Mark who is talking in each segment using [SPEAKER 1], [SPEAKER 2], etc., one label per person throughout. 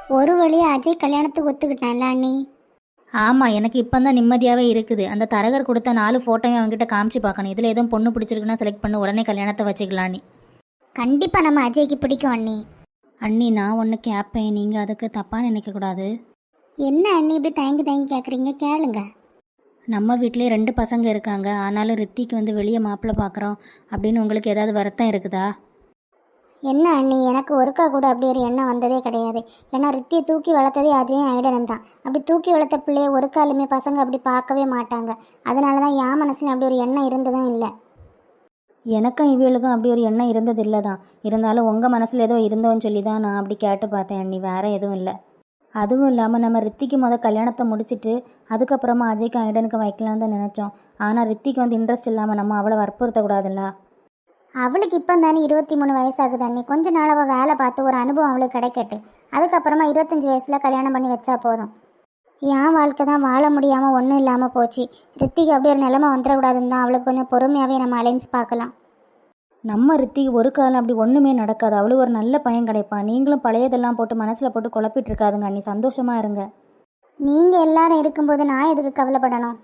[SPEAKER 1] ஒரு வழியாக அஜய் கல்யாணத்துக்கு ஒத்துக்கிட்டான்ல அண்ணி.
[SPEAKER 2] ஆமாம், எனக்கு இப்போ தான் நிம்மதியாகவே இருக்குது. அந்த தரகர் கொடுத்த 4 ஃபோட்டோவே அவங்ககிட்ட காமிச்சு பார்க்கணும். இதில் எதுவும் பொண்ணு பிடிச்சிருக்குன்னா செலக்ட் பண்ணி உடனே கல்யாணத்தை வச்சுக்கலாம் நீ.
[SPEAKER 1] கண்டிப்பாக நம்ம அஜய்க்கு பிடிக்கும் அண்ணி.
[SPEAKER 2] அண்ணி, நான் ஒன்று கேட்பேன், நீங்கள் அதுக்கு தப்பாக நினைக்கக்கூடாது.
[SPEAKER 1] என்ன அண்ணி இப்படி தயங்கி தயங்கி கேட்குறீங்க? கேளுங்க.
[SPEAKER 2] நம்ம வீட்டிலே 2 பசங்க இருக்காங்க. ஆனாலும் ரித்திக்கு வந்து வெளியே மாப்பிள்ளை பார்க்குறோம் அப்படின்னு உங்களுக்கு ஏதாவது வருத்தம் இருக்குதா?
[SPEAKER 1] என்ன அண்ணி, எனக்கு ஒருக்கா கூட அப்படி ஒரு எண்ணம் வந்ததே கிடையாது. ஏன்னா ரித்தியை தூக்கி வளர்த்ததே அஜயும் ஐடனும் தான். அப்படி தூக்கி வளர்த்த பிள்ளைய ஒரு காலுமே பசங்க அப்படி பார்க்கவே மாட்டாங்க. அதனால தான் என் மனசுல அப்படி ஒரு எண்ணம் இருந்ததும் இல்லை.
[SPEAKER 2] எனக்கும் இவளுக்கும் அப்படி ஒரு எண்ணம் இருந்தது இல்லை தான். இருந்தாலும் உங்கள் மனசில் ஏதோ இருந்தோன்னு சொல்லி தான் நான் அப்படி கேட்டு பார்த்தேன் அண்ணி, வேறு எதுவும் இல்லை. அதுவும் இல்லாமல் நம்ம ரித்திக்கு கல்யாணத்தை முடிச்சுட்டு அதுக்கப்புறமா அஜய்க்கு ஐடனுக்கு வைக்கலான்னு தான் நினச்சோம். ஆனால் ரித்திக்கு வந்து இன்ட்ரெஸ்ட் இல்லாமல் நம்ம அவளை வற்புறுத்தக்கூடாதுல்ல.
[SPEAKER 1] அவளுக்கு இப்போ தானே 23 வயசாகுது அண்ணி. கொஞ்ச நாள் அவள் வேலை பார்த்து ஒரு அனுபவம் அவளுக்கு கிடைக்கட்டு. அதுக்கப்புறமா 25 வயசில் கல்யாணம் பண்ணி வச்சா போதும். என் வாழ்க்கை தான் வாழ முடியாமல் ஒன்றும் இல்லாமல் போச்சு. ரித்திக்கு அப்படி ஒரு நிலைமை வந்துடக்கூடாதுன்னு தான் அவளுக்கு கொஞ்சம் பொறுமையாகவே நம்ம அலைன்ஸ் பார்க்கலாம்.
[SPEAKER 2] நம்ம ரித்திக்கு ஒரு காலம் அப்படி ஒன்றுமே நடக்காது. அவளுக்கு ஒரு நல்ல பையன் கிடைப்பான். நீங்களும் பழையதெல்லாம் போட்டு மனசில் போட்டு குழப்பிட்டு இருக்காதுங்க அண்ணி, சந்தோஷமாக இருங்க.
[SPEAKER 1] நீங்கள் எல்லாரும் இருக்கும்போது நான் எதுக்கு கவலைப்படணும்?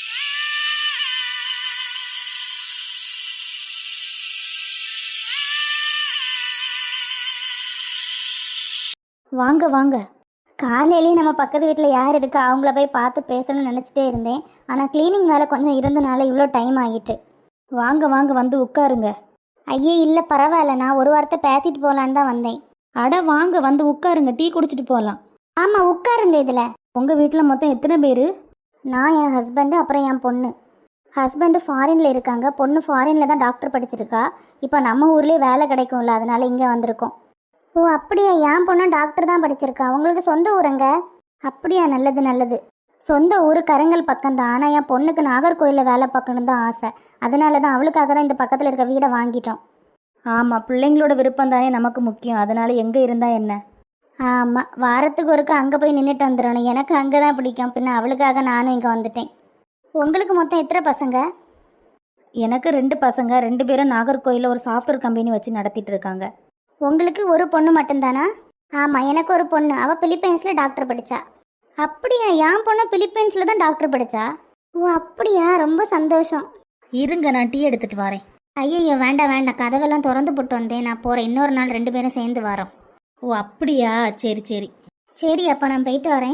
[SPEAKER 2] வாங்க வாங்க.
[SPEAKER 1] காலையிலேயே நம்ம பக்கத்து வீட்டில் யார் இருக்கா அவங்கள போய் பார்த்து பேசணும்னு நினச்சிட்டே இருந்தேன். ஆனால் க்ளீனிங் வேலை கொஞ்சம் இருந்தனால இவ்வளோ டைம் ஆகிட்டு.
[SPEAKER 2] வாங்க வாங்க, வந்து உட்காருங்க.
[SPEAKER 1] ஐயே இல்லை பரவாயில்ல, நான் ஒரு வார்த்தை பேசிட்டு போகலான்னு தான் வந்தேன்.
[SPEAKER 2] அட வாங்க, வந்து உட்காருங்க, டீ குடிச்சிட்டு போகலாம்.
[SPEAKER 1] ஆமாம் உட்காருங்க. இதில்
[SPEAKER 2] உங்கள் வீட்டில் மொத்தம் எத்தனை பேர்?
[SPEAKER 1] நான், என் ஹஸ்பண்டு, அப்புறம் என் பொண்ணு. ஹஸ்பண்டு ஃபாரினில் இருக்காங்க, பொண்ணு ஃபாரினில் தான் டாக்டர் படிச்சிருக்கா. இப்போ நம்ம ஊர்லேயே வேலை கிடைக்கும்ல, அதனால இங்கே வந்திருக்கோம். ஓ அப்படியா? என் பொண்ணும் டாக்டர் தான் படிச்சிருக்கா. உங்களுக்கு சொந்த ஊருங்க? அப்படியா, நல்லது நல்லது. சொந்த ஊர் கருங்கல் பக்கம்தான். ஆனால் என் பொண்ணுக்கு நாகர்கோயிலில் வேலை பார்க்கணும் தான் ஆசை. அதனால தான் அவளுக்காக தான் இந்த பக்கத்தில் இருக்க வீடை வாங்கிட்டோம்.
[SPEAKER 2] ஆமாம், பிள்ளைங்களோட விருப்பம் தானே நமக்கு முக்கியம். அதனால் எங்கே இருந்தால் என்ன?
[SPEAKER 1] ஆமாம், வாரத்துக்கு ஒருக்கா அங்கே போய் நின்றுட்டு வந்துடணும். எனக்கு அங்கே தான் பிடிக்கும். பின்ன அவளுக்காக நானும் இங்கே வந்துட்டேன். உங்களுக்கு மொத்தம் எத்தனை பசங்க?
[SPEAKER 2] எனக்கு 2 பசங்க. 2 பேரும் நாகர்கோயிலில் ஒரு சாஃப்ட்வேர் கம்பெனி வச்சு நடத்திட்டு இருக்காங்க.
[SPEAKER 1] உங்களுக்கு ஒரு பொண்ணு மட்டும்தானா? ஆமாம், எனக்கு ஒரு பொண்ணு. அவள் பிலிப்பைன்ஸில் டாக்டர் படித்தா. அப்படியா? என் பொண்ணு பிலிப்பைன்ஸில் தான் டாக்டர் படித்தா. ஓ அப்படியா, ரொம்ப சந்தோஷம்.
[SPEAKER 2] இருங்க, நான் டீ எடுத்துகிட்டு வரேன்.
[SPEAKER 1] ஐயோ வேண்டாம் வேண்டாம், கதவெல்லாம் திறந்து போட்டு வந்தேன். நான் போகிறேன். இன்னொரு நாள் 2 பேரும் சேர்ந்து வரோம்.
[SPEAKER 2] ஓ அப்படியா, சரி சரி.
[SPEAKER 1] சரி அப்போ நான் போயிட்டு வரேன்.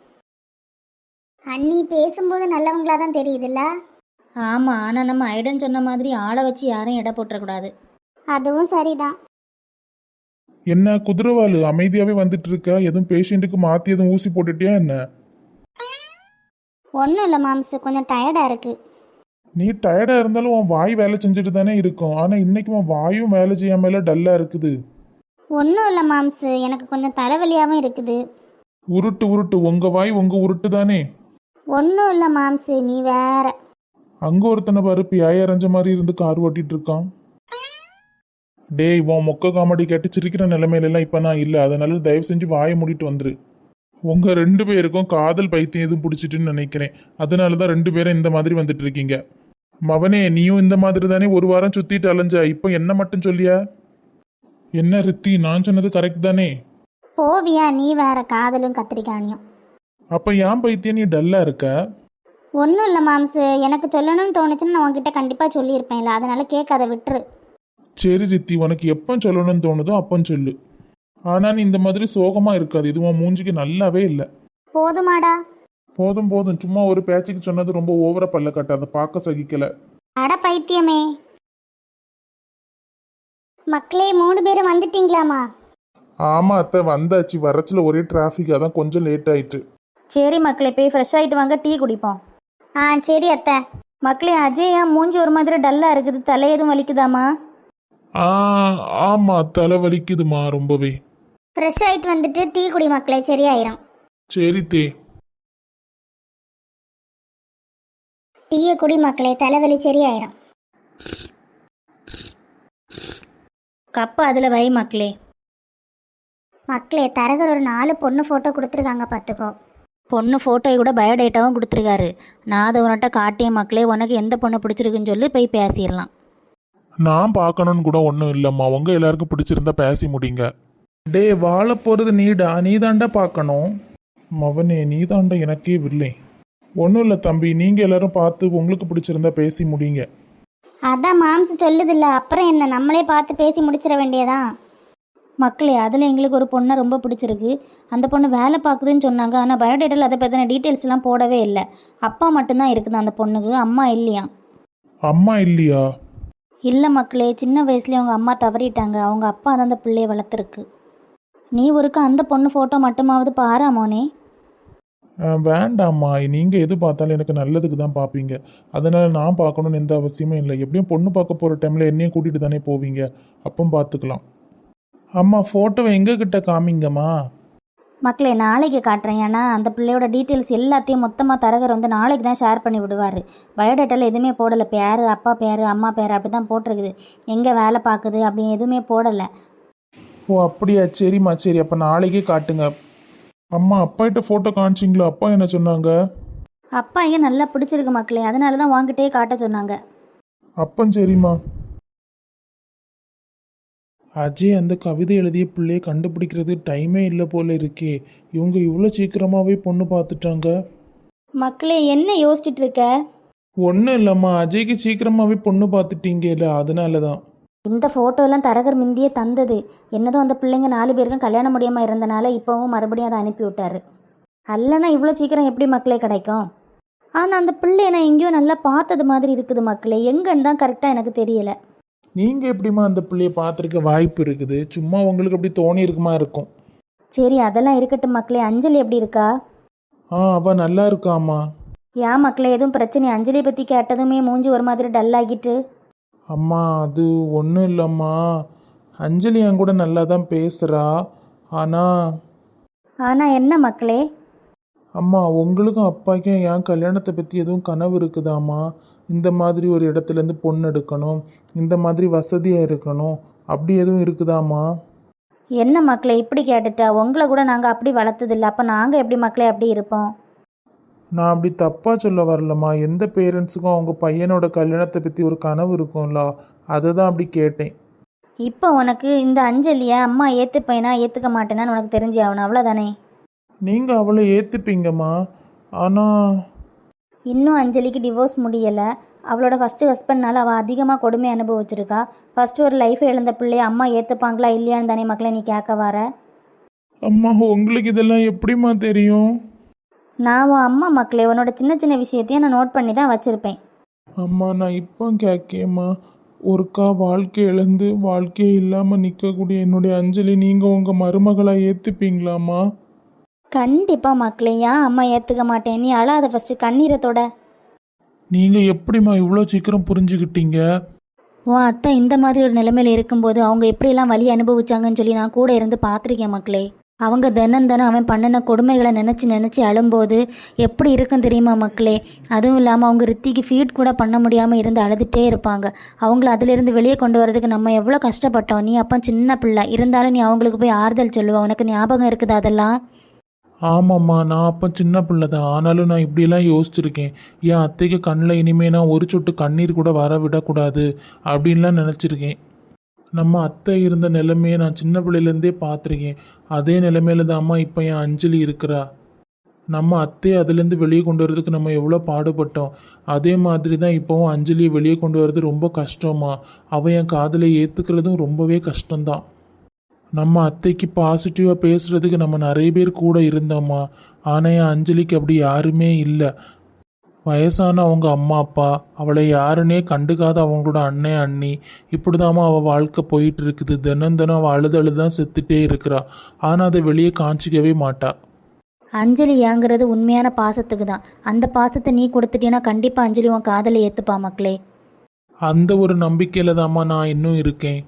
[SPEAKER 1] அண்ணி பேசும்போது நல்லவங்களா தான் தெரியுதுல்ல?
[SPEAKER 2] ஆமாம், ஆனால் நம்ம ஐடன் சொன்ன மாதிரி ஆளை வச்சு யாரையும் எடை போட்டுறக்கூடாது.
[SPEAKER 1] அதுவும் சரிதான்.
[SPEAKER 3] என்ன குதிரவாளு அமைதியாவே வந்துட்டு இருக்க? எதுவும் பேஷண்ட்டுக்கு மாத்தி எதுவும் ஊசி போட்டுட்டியா என்ன?
[SPEAKER 1] ஒன்றும் இல்லை மாம்சு, கொஞ்சம் டயர்டாக இருக்குது.
[SPEAKER 3] நீ டயர்டா இருந்தாலும் உன் வாய் வேலை செஞ்சுட்டு தானே இருக்கும். ஆனா இன்னைக்கு உன் வாயும் வேலை செய்யாமல டல்லா இருக்குது.
[SPEAKER 1] ஒன்றும் இல்லை மாம்சு, எனக்கு கொஞ்சம் தலைவலியாகவும் இருக்குது.
[SPEAKER 3] உருட்டு உருட்டு, உங்க வாய் உங்க உருட்டு தானே.
[SPEAKER 1] ஒன்றும் இல்லை மாம்சு, நீ வேற.
[SPEAKER 3] அங்க ஒருத்தனை பாரு, பியாய அரைஞ்ச மாதிரி இருந்து கார் ஓட்டிட்டு இருக்கான். டேய், உன் மொக்க காமெடி கேட்டு சிரிக்கிற நிலைமையில எல்லாம் இப்ப நான் இல்லை. அதனால தயவு செஞ்சு வாயை மூடிட்டு வந்துரு. உங்க 2 பேருக்கும் காதல் பைத்தியம் எதுவும் பிடிச்சிட்டுன்னு நினைக்கிறேன். அதனாலதான் 2 பேரும் இந்த மாதிரி வந்துட்டு இருக்கீங்க. மவனே, நீயும் இந்த மாதிரி தானே ஒரு வாரம் சுத்திட்டு அலைஞ்ச. இப்போ என்ன மட்டும் சொல்லியா? என்ன ரித்தி, நான் சொன்னது கரெக்ட் தானே?
[SPEAKER 1] போவியா நீ வேற, காதலும் கத்திரிக்காணியும்.
[SPEAKER 3] அப்ப ஏன் பைத்தியம் நீ டல்லா இருக்க?
[SPEAKER 1] ஒன்றும் இல்லை மாம்சு, எனக்கு சொல்லணும்னு தோணுச்சுன்னு நான் உன்கிட்ட கண்டிப்பாக சொல்லியிருப்பேன்ல, அதனால கேட்காத, விட்டுரு.
[SPEAKER 3] சரி ரித்தி, உனக்கு எப்போ சொல்லணும்னு தோணுதோ அப்போ சொல்லு. ஆனா நீ இந்த மாதிரி சோகமா இருக்காது. இது உன் மூஞ்சிக்கு நல்லாவே இல்லை.
[SPEAKER 1] போதுமாடா?
[SPEAKER 3] போதும் போதும், சும்மா ஒரு பேச்சுக்கு சொன்னது ரொம்ப ஓவரா பல்ல கட்டாத, பார்க்க சகிக்கல.
[SPEAKER 1] அட பைத்தியமே. மக்களே 3 பேரும் வந்துட்டீங்களாமா?
[SPEAKER 3] ஆமா அத்தை, வந்தாச்சு. வரச்சுல ஒரே டிராஃபிக், அதான் கொஞ்சம் லேட் ஆயிட்டு.
[SPEAKER 2] சரி மக்களே, போய் ஃப்ரெஷ் ஆகிட்டு வாங்க, டீ குடிப்போம்.
[SPEAKER 1] சரி அத்தை.
[SPEAKER 2] மக்களே, அஜய் ஏன் மூஞ்சி ஒரு மாதிரி டல்லாக இருக்குது? தலை எதுவும் வலிக்குதாமா?
[SPEAKER 3] ஆமா, தலை வலிக்குதுமா ரொம்பவே.
[SPEAKER 1] ஃப்ரெஷ் ஆகிட்டு வந்துட்டு டீ குடி மக்களே, சரியாயிரும்.
[SPEAKER 3] சரி தே.
[SPEAKER 1] டீயை குடி மக்களே, தலைவலி சரியாயிரும்.
[SPEAKER 2] கப்பு அதில் வை மக்களே.
[SPEAKER 1] மக்களே, தரகர் ஒரு 4 பொண்ணு ஃபோட்டோ கொடுத்துருக்காங்க, பார்த்துக்கோ.
[SPEAKER 2] பொண்ணு ஃபோட்டோயை கூட பயோடேட்டாவும் கொடுத்துருக்காரு. நான் அதை உன்கிட்ட காட்டிய மக்களே, உனக்கு எந்த பொண்ணை பிடிச்சிருக்குன்னு சொல்லி போய் பேசிடலாம்.
[SPEAKER 3] நான் பார்க்கணும்னு கூட ஒன்றும் இல்லைம்மா. உங்க எல்லாருக்கும் பிடிச்சிருந்தா பேசி முடிங்க. டே வாழ போகிறது நீடா, நீ தாண்டா பார்க்கணும். மவனே நீ தாண்டா எனக்கே வில்லை. ஒன்றும் இல்லை தம்பி, நீங்கள் எல்லாரும் பார்த்து உங்களுக்கு பிடிச்சிருந்தா பேசி முடிங்க.
[SPEAKER 1] அதான் மாம்ஸ் சொல்லுதில்ல, அப்புறம் என்ன, நம்மளே பார்த்து பேசி முடிச்சிட வேண்டியதான்.
[SPEAKER 2] மக்களே, அதில் எங்களுக்கு ஒரு பொண்ணை ரொம்ப பிடிச்சிருக்கு. அந்த பொண்ணு வேலை பார்க்குதுன்னு சொன்னாங்க. ஆனால் பயோடேட்டாவில் அதை பற்றின டீட்டெயில்ஸ்லாம் போடவே இல்லை. அப்பா மட்டும்தான் இருக்குது அந்த பொண்ணுக்கு, அம்மா இல்லையா.
[SPEAKER 3] அம்மா இல்லையா?
[SPEAKER 2] இல்லை மக்களே, சின்ன வயசுலேயே அவங்க அம்மா தவறிட்டாங்க. அவங்க அப்பா தான் அந்த பிள்ளையை வளர்த்துருக்கு. நீ ஒருக்க அந்த பொண்ணு ஃபோட்டோ மட்டுமாவது பாராமோனே.
[SPEAKER 3] வேண்டாம்மா, நீங்கள் எது பார்த்தாலும் எனக்கு நல்லதுக்கு தான் பார்ப்பீங்க. அதனால் நான் பார்க்கணுன்னு எந்த அவசியமும் இல்லை. எப்படியும் பொண்ணு பார்க்க போகிற டைமில் என்னையும் கூட்டிகிட்டு தானே போவீங்க, அப்போ பார்த்துக்கலாம். அம்மா ஃபோட்டோவை எங்ககிட்ட காமிங்கம்மா.
[SPEAKER 2] மக்களே, நாளைக்கு காட்டுறேன். ஏன்னா அந்த பிள்ளையோட டீட்டெயில்ஸ் எல்லாத்தையும் மொத்தமாக தரகர் வந்து நாளைக்கு தான் ஷேர் பண்ணி விடுவார். பயோடேட்டாவில் எதுவுமே போடலை. பேர், அப்பா பேர், அம்மா பேர் அப்படி தான் போட்டிருக்குது. எங்கே வேலை பார்க்குது அப்படி எதுவுமே போடலை.
[SPEAKER 3] ஓ அப்படியா, சரிம்மா சரி, அப்போ நாளைக்கே காட்டுங்க. அம்மா அப்பாகிட்ட ஃபோட்டோ காமிச்சிங்களா? அப்பா என்ன சொன்னாங்க?
[SPEAKER 2] அப்பா ஏன் நல்லா பிடிச்சிருக்கு மக்களே, அதனால தான் வாங்கிட்டே காட்ட சொன்னாங்க.
[SPEAKER 3] அப்பன் சரிம்மா. அஜய் அந்த கவிதை எழுதிய பிள்ளையை கண்டுபிடிக்கிறது டைமே இல்லை போல இருக்கே. இவங்க இவ்வளோ சீக்கிரமாகவே பொண்ணு பார்த்துட்டாங்க.
[SPEAKER 2] மக்களே, என்ன யோசிச்சுட்டு இருக்க?
[SPEAKER 3] ஒன்றும் இல்லைம்மா, அஜய்க்கு சீக்கிரமாகவே பொண்ணு பார்த்துட்டீங்க இல்லை, அதனால தான்.
[SPEAKER 2] இந்த ஃபோட்டோலாம் தரகர் முந்தியே தந்தது. என்னதும் அந்த பிள்ளைங்க 4 பேருக்கும் கல்யாணம் முடியாமல் இருந்தனால இப்போவும் மறுபடியும் அதை அனுப்பி விட்டாரு. அல்லனா இவ்வளோ சீக்கிரம் எப்படி மக்களே கிடைக்கும்? ஆனால் அந்த பிள்ளையை நான் எங்கேயோ நல்லா பார்த்தது மாதிரி இருக்குது மக்களே. எங்கன்னு தான் கரெக்டாக எனக்கு தெரியலை.
[SPEAKER 3] நீங்கள் எப்படிம்மா அந்த பிள்ளையை பார்த்துருக்க வாய்ப்பு இருக்குது? சும்மா உங்களுக்கு அப்படி தோணி இருக்குமா இருக்கும்.
[SPEAKER 2] சரி, அதெல்லாம் இருக்கட்டும் மக்களே. அஞ்சலி எப்படி இருக்கா?
[SPEAKER 3] அவள் நல்லா இருக்காம்மா.
[SPEAKER 2] ஏன் மக்களே, எதுவும் பிரச்சனை? அஞ்சலியை பற்றி கேட்டதுமே மூஞ்சி ஒரு மாதிரி டல் ஆகிட்டு.
[SPEAKER 3] அம்மா அது ஒன்றும் இல்லைம்மா, அஞ்சலி என் கூட நல்லா தான் பேசுகிறா.
[SPEAKER 2] ஆனால் என்ன மக்களே?
[SPEAKER 3] அம்மா உங்களுக்கும் அப்பாக்கும் என் கல்யாணத்தை பற்றி எதுவும் கனவு இருக்குதாம்மா? இந்த மாதிரி ஒரு இடத்துலேருந்து பொண்ணு எடுக்கணும், இந்த மாதிரி வசதியாக இருக்கணும், அப்படி எதுவும் இருக்குதாம்மா?
[SPEAKER 2] என்ன மக்களே இப்படி கேட்டுட்டா? உங்களை கூட நாங்கள் அப்படி வளர்த்ததில்லை. அப்போ நாங்கள் எப்படி மக்களே அப்படி இருப்போம்?
[SPEAKER 3] நான் அப்படி தப்பாக சொல்ல வரலம்மா. எந்த பேரண்ட்ஸுக்கும் அவங்க பையனோட கல்யாணத்தை பற்றி ஒரு கனவு இருக்கும்ல, அதை தான் அப்படி கேட்டேன்.
[SPEAKER 2] இப்போ உனக்கு இந்த அஞ்சலியை அம்மா ஏற்றுப்பேனா ஏற்றுக்க மாட்டேனான்னு உனக்கு தெரிஞ்சு ஆகணும், அவ்வளோதானே?
[SPEAKER 3] நீங்கள் அவளை ஏற்றுப்பீங்கம்மா. ஆனால்
[SPEAKER 2] இன்னும் அஞ்சலிக்கு டிவோர்ஸ் முடியலை. அவளோட ஃபஸ்ட்டு ஹஸ்பண்ட்னால அவள் அதிகமாக கொடுமை அனுபவிச்சிருக்கா. ஃபஸ்ட்டு ஒரு லைஃபை இழந்த பிள்ளைய அம்மா ஏற்றுப்பாங்களா இல்லையான்னு தானே மக்களே நீ கேட்க வர?
[SPEAKER 3] அம்மா உங்களுக்கு இதெல்லாம் எப்படிம்மா தெரியும்?
[SPEAKER 2] நான் உன் அம்மா மக்களே, உன்னோட சின்ன சின்ன விஷயத்தையும் நான் நோட் பண்ணி தான் வச்சுருப்பேன்.
[SPEAKER 3] அம்மா நான் இப்போ கேட்கேம்மா. ஒருக்கா வாழ்க்கை இழந்து வாழ்க்கையே இல்லாமல் நிற்கக்கூடிய என்னுடைய அஞ்சலி நீங்கள் உங்கள் மருமகளாக ஏற்றுப்பீங்களாம்மா?
[SPEAKER 2] கண்டிப்பாக மக்களே, ஏன் அம்மா ஏற்றுக்க மாட்டேன்? நீ அழாத ஃபஸ்ட்டு, கண்ணீரத்தோட.
[SPEAKER 3] நீங்கள் எப்படிம்மா இவ்வளோ சீக்கிரம் புரிஞ்சுக்கிட்டீங்க?
[SPEAKER 2] உன் அத்தை இந்த மாதிரி ஒரு நிலைமையில் இருக்கும்போது அவங்க எப்படியெல்லாம் வலி அனுபவிச்சாங்கன்னு சொல்லி நான் கூட இருந்து பார்த்துருக்கேன் மக்களே. அவங்க தினம் அவன் பண்ணின கொடுமைகளை நினச்சி அழும்போது எப்படி இருக்கும் தெரியுமா மக்களே? அதுவும் இல்லாமல் அவங்க ரித்திக்கு ஃபீட் கூட பண்ண முடியாமல் இருந்து அழுதுகிட்டே இருப்பாங்க. அவங்கள அதிலிருந்து வெளியே கொண்டு வரதுக்கு நம்ம எவ்வளோ கஷ்டப்பட்டோம். நீ அப்போ சின்ன பிள்ளை இருந்தாலும் நீ அவங்களுக்கு போய் ஆறுதல் சொல்லுவ. உனக்கு ஞாபகம் இருக்குது அதெல்லாம்?
[SPEAKER 3] ஆமாம்மா, நான் அப்போ சின்ன பிள்ளை தான். ஆனாலும் நான் இப்படியெல்லாம் யோசிச்சிருக்கேன். என் அத்தைக்கு கண்ணில் இனிமேல் நான் ஒரு சொட்டு கண்ணீர் கூட வர விடக்கூடாது அப்படின்லாம் நினச்சிருக்கேன். நம்ம அத்தை இருந்த நிலைமையை நான் சின்ன பிள்ளையிலேருந்தே பார்த்துருக்கேன். அதே நிலைமையில தான் அம்மா இப்போ என் அஞ்சலி இருக்கிறா. நம்ம அத்தையை அதுலேருந்து வெளியே கொண்டு வரதுக்கு நம்ம எவ்வளோ பாடுபட்டோம். அதே மாதிரி தான் இப்போவும் அஞ்சலியை வெளியே கொண்டு வர்றது ரொம்ப கஷ்டமா. அவள் என் காதலை ஏற்றுக்கிறதும் ரொம்பவே கஷ்டம்தான். நம்ம அத்தைக்கு பாசிட்டிவாக பேசுகிறதுக்கு நம்ம நிறைய பேர் கூட இருந்தோம்மா. ஆனால் என் அஞ்சலிக்கு அப்படி யாருமே இல்லை. வயசான அவங்க அம்மா அப்பா, அவளை யாருன்னே கண்டுக்காத அவங்களோட அண்ணன் அண்ணி, இப்படிதாம்மா அவள் வாழ்க்கை போயிட்டு இருக்குது. தினம் அவள் அழுது தான் செத்துட்டே இருக்கிறா. ஆனால் அதை வெளியே காமிச்சிக்கவே மாட்டா.
[SPEAKER 2] அஞ்சலி ஏங்குறது உண்மையான பாசத்துக்கு தான். அந்த பாசத்தை நீ கொடுத்துட்டீன்னா கண்டிப்பாக அஞ்சலி உன் காதலை ஏற்றுப்பா மக்களே.
[SPEAKER 3] அந்த ஒரு நம்பிக்கையில் தாம்மா நான் இன்னும் இருக்கேன்.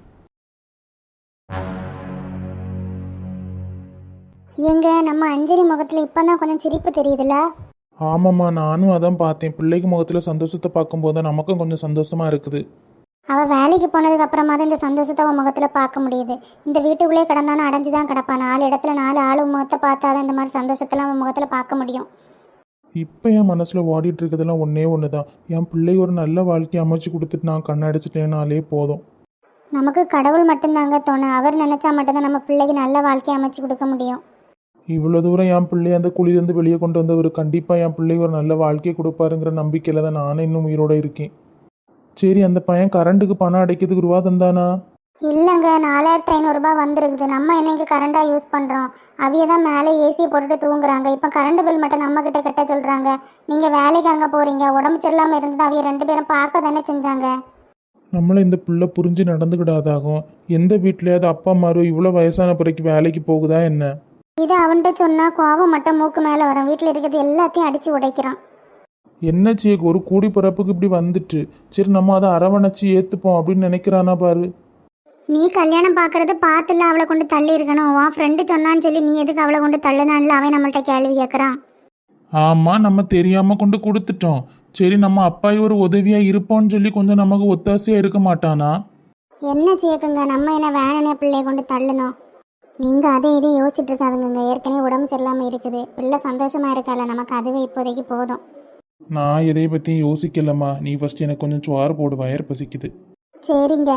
[SPEAKER 1] எங்க நம்ம அஞ்சலி முகத்தில் இப்போ தான் கொஞ்சம் சிரிப்பு தெரியுதுல்ல?
[SPEAKER 3] ஆமாம்மா, நானும் அதான் பார்த்தேன். பிள்ளைக்கு முகத்தில் சந்தோஷத்தை பார்க்கும்போது நமக்கும் கொஞ்சம் சந்தோஷமாக இருக்குது.
[SPEAKER 1] அவள் வேலைக்கு போனதுக்கு அப்புறமா தான் இந்த சந்தோஷத்தை அவன் முகத்தில் பார்க்க முடியுது. இந்த வீட்டுக்குள்ளே கிடந்தானு அடைஞ்சு தான் கிடப்பான். 4 இடத்துல 4 ஆளு முகத்தை பார்த்தா தான் இந்த மாதிரி சந்தோஷத்தெல்லாம் அவன் முகத்தில் பார்க்க முடியும்.
[SPEAKER 3] இப்போ என் மனசில் ஓடிட்டு இருக்கிறதெல்லாம் ஒன்றே ஒன்று தான். என் பிள்ளை ஒரு நல்ல வாழ்க்கையை அமைச்சு கொடுத்துட்டு நான் கண்ணடிச்சிட்டேனாலே போதும்.
[SPEAKER 1] நமக்கு கடவுள் மட்டும்தாங்க துணை. அவர் நினச்சா மட்டும்தான் நம்ம பிள்ளைக்கு நல்ல வாழ்க்கையை அமைச்சு கொடுக்க முடியும்.
[SPEAKER 3] இவ்வளோ தூரம் என் பிள்ளைய அந்த குழியிலேருந்து வெளியே கொண்டு வந்தவர் கண்டிப்பாக என் பிள்ளைக்கு ஒரு நல்ல வாழ்க்கையை கொடுப்பாருங்கிற நம்பிக்கையில் தான் நானே இன்னும் உயிரோட இருக்கேன். சரி, அந்த பையன் கரண்ட்டுக்கு பணம் அடைக்கிறதுக்கு ரூபா தந்தானா?
[SPEAKER 1] இல்லைங்க, 4500 வந்திருக்குது. நம்ம என்னைக்கு கரண்டாக யூஸ் பண்ணுறோம். அவிய தான் மேலே ஏசியை போட்டுட்டு தூங்குறாங்க. இப்போ கரண்ட் பில் மட்டும் நம்மக்கிட்ட கட்ட சொல்கிறாங்க. நீங்கள் வேலைக்கு அங்கே போகிறீங்க, உடம்பு சரியில்லாமல் இருந்தது. அவிய 2 பேரும் பார்க்க தானே செஞ்சாங்க.
[SPEAKER 3] நம்மளை இந்த பிள்ளை புரிஞ்சு நடந்துக்கிடாதாகும். எந்த வீட்லையாவது அப்பா அம்மாரோ இவ்வளோ வயசான பிறகு வேலைக்கு போகுதா என்ன?
[SPEAKER 1] இது அவன்கிட்ட சொன்னால் கோவம் மட்டும் மூக்கு மேலே வரும். வீட்டில் இருக்கிறது எல்லாத்தையும் அடித்து உடைக்கிறான்.
[SPEAKER 3] என்ன சேக்கு, ஒரு கூடி பிறப்புக்கு இப்படி வந்துட்டு, சரி நம்ம அதை அரவணைச்சி ஏற்றுப்போம் அப்படின்னு நினைக்கிறானா பாரு.
[SPEAKER 1] நீ கல்யாணம் பார்க்கறது பார்த்துல அவளை கொண்டு தள்ளி இருக்கணும். உன் ஃப்ரெண்டு சொன்னான்னு சொல்லி நீ எதுக்கு அவளை கொண்டு தள்ளுனான்ல அவன் நம்மள்ட்ட கேள்வி கேட்குறான்.
[SPEAKER 3] ஆமாம், நம்ம தெரியாமல் கொண்டு கொடுத்துட்டோம். சரி, நம்ம அப்பாய் ஒரு உதவியாக இருப்போம்னு சொல்லி கொஞ்சம் நமக்கு ஒத்தாசையாக இருக்க மாட்டானா?
[SPEAKER 1] என்ன சேக்குங்க, நம்ம என்ன வேணுனே பிள்ளைய கொண்டு தள்ளணும். நீங்கள் அதே இதையும் யோசிச்சுட்டு இருக்காதுங்க. ஏற்கனவே உடம்பு சரியில்லாமல் இருக்குது. பிள்ளை சந்தோஷமாக இருக்கால, நமக்கு அதுவே இப்போதைக்கு போதும்.
[SPEAKER 3] நான் எதை பற்றியும் யோசிக்கலம்மா. நீ ஃபஸ்ட் எனக்கு கொஞ்சம் சோறு போடு, வயிறு பசிக்குது.
[SPEAKER 1] சரிங்க.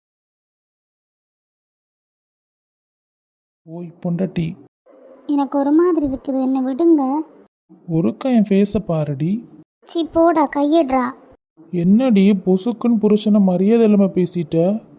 [SPEAKER 3] ஓய் பொண்டாட்டி,
[SPEAKER 1] எனக்கு ஒரு மாதிரி இருக்குது, என்ன விடுங்க.
[SPEAKER 3] ஒருக்கா என் ஃபேஸை பாருடி.
[SPEAKER 1] சி போடா, கையிடுறா.
[SPEAKER 3] என்னடி பொசுக்குன்னு புருஷனை மரியாதை இல்லாமல் பேசிட்ட?